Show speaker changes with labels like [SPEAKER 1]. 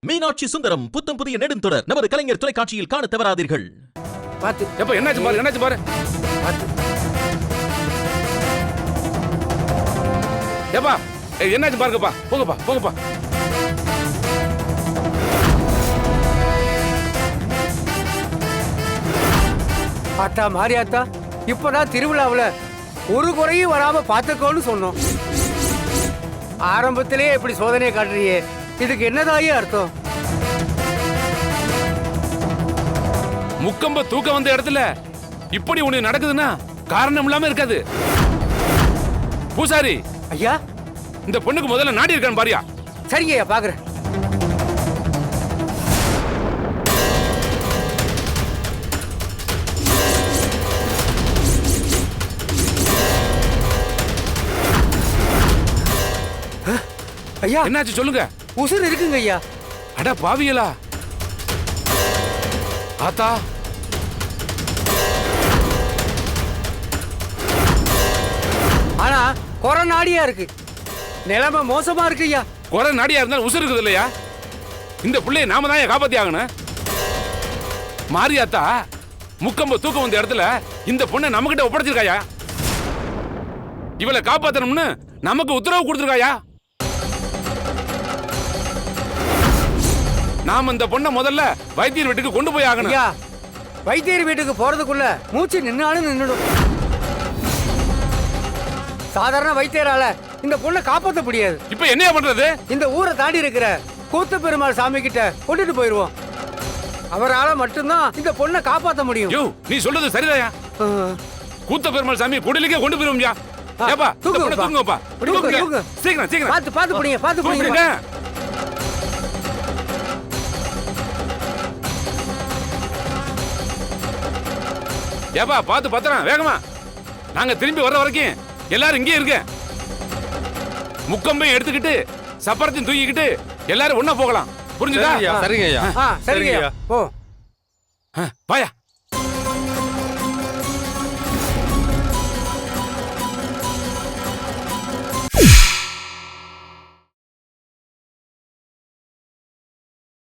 [SPEAKER 1] மீனாட்சி சுந்தரம் புத்தம் புதிய நெடுந்தொடர் நமது கலைஞர் தொலைக்காட்சியில் காண தவறாதீர்கள்.
[SPEAKER 2] பாத்து
[SPEAKER 3] எப்ப என்னாச்சு பாரு, என்னாச்சு பாரு. ஏப்பா என்னாச்சு பாருங்கப்பா, போங்கப்பா போங்கப்பா.
[SPEAKER 2] ஆத்தா மாரியாத்தா, இப்பதான் திருவிழாவுல ஒரு குறையும் வராம பாத்துக்கோன்னு சொன்னோம். ஆரம்பத்திலேயே இப்படி சோதனையை காட்டுறியே, இதுக்கு என்னதாயே அர்த்தம்?
[SPEAKER 3] முக்கம்ப தூக்க வந்த இடத்துல இப்படி ஒண்ணு நடக்குதுன்னா காரணம் இல்லாம இருக்காது. பூசாரி
[SPEAKER 2] ஐயா,
[SPEAKER 3] இந்த பொண்ணுக்கு முதல்ல நாடி இருக்கான்னு பாரியா.
[SPEAKER 2] சரிங்க ஐயா, பாக்குறேன். ஐயா,
[SPEAKER 3] என்னாச்சு சொல்லுங்க.
[SPEAKER 2] உசுர் இருக்குங்க ஐயா.
[SPEAKER 3] அட பாவியலா. ஆத்தா,
[SPEAKER 2] ஆனா கொரோனாடியா இருக்கு. நிலைமை மோசமா இருக்கு ஐயா.
[SPEAKER 3] குறை நாடியா இருந்தாலும் உசுர் இருக்குது இல்லையா? இந்த பிள்ளைய நாம தான் காப்பாத்தி ஆகணும். மாரியாத்தா முக்கம்ப தூக்க வந்த இடத்துல இந்த பொண்ணை நம்ம கிட்ட ஒப்படைச்சிருக்காயா. இவளை காப்பாத்தணும்னு நமக்கு உத்தரவு கொடுத்திருக்காயா. நாம இந்த பொண்ணை முதல்ல வைத்தியர் வீட்டுக்கு கொண்டு போய் ஆகணும்.
[SPEAKER 2] ஐயா, வைத்தியர் வீட்டுக்கு போறதுக்குள்ள மூச்சு நின்னாலும் நின்னுடும். சாதாரண வைத்தியரால இந்த பொண்ணை காப்பாற்ற முடியாது.
[SPEAKER 3] இப்ப என்ன பண்றது?
[SPEAKER 2] இந்த ஊரை தாண்டி இருக்கிற கூத்த பெருமாள் சாமி கிட்ட கொண்டுட்டு போயிருவோம். அவரால மட்டும்தான் இந்த பொண்ணை காப்பாற்ற முடியும்.
[SPEAKER 3] யோ, நீ சொல்றது சரிதாயா. கூத்த பெருமாள் சாமி குடிலுக்கே கொண்டு போயிருவோம்யா. ஏப்பா, தூங்குங்கப்பா. சீக்கிரம் சீக்கிரம்
[SPEAKER 2] பாத்து பாத்து புடிங்க, பாத்து புடிங்க.
[SPEAKER 3] ஏப்பா, பாத்து பத்திரம் வேகமா. நாங்க திரும்பி வர்ற வரைக்கும் எல்லாரும் இங்கே இருக்க. முக்கம்பையும் எடுத்துக்கிட்டு சப்பரத்தையும் தூக்கிக்கிட்டு எல்லாரும் ஒண்ணா போகலாம். புரிஞ்சுதா?
[SPEAKER 4] சரிங்க ஐயா.
[SPEAKER 2] சரிங்க ஐயா. ஓ
[SPEAKER 3] வாயா.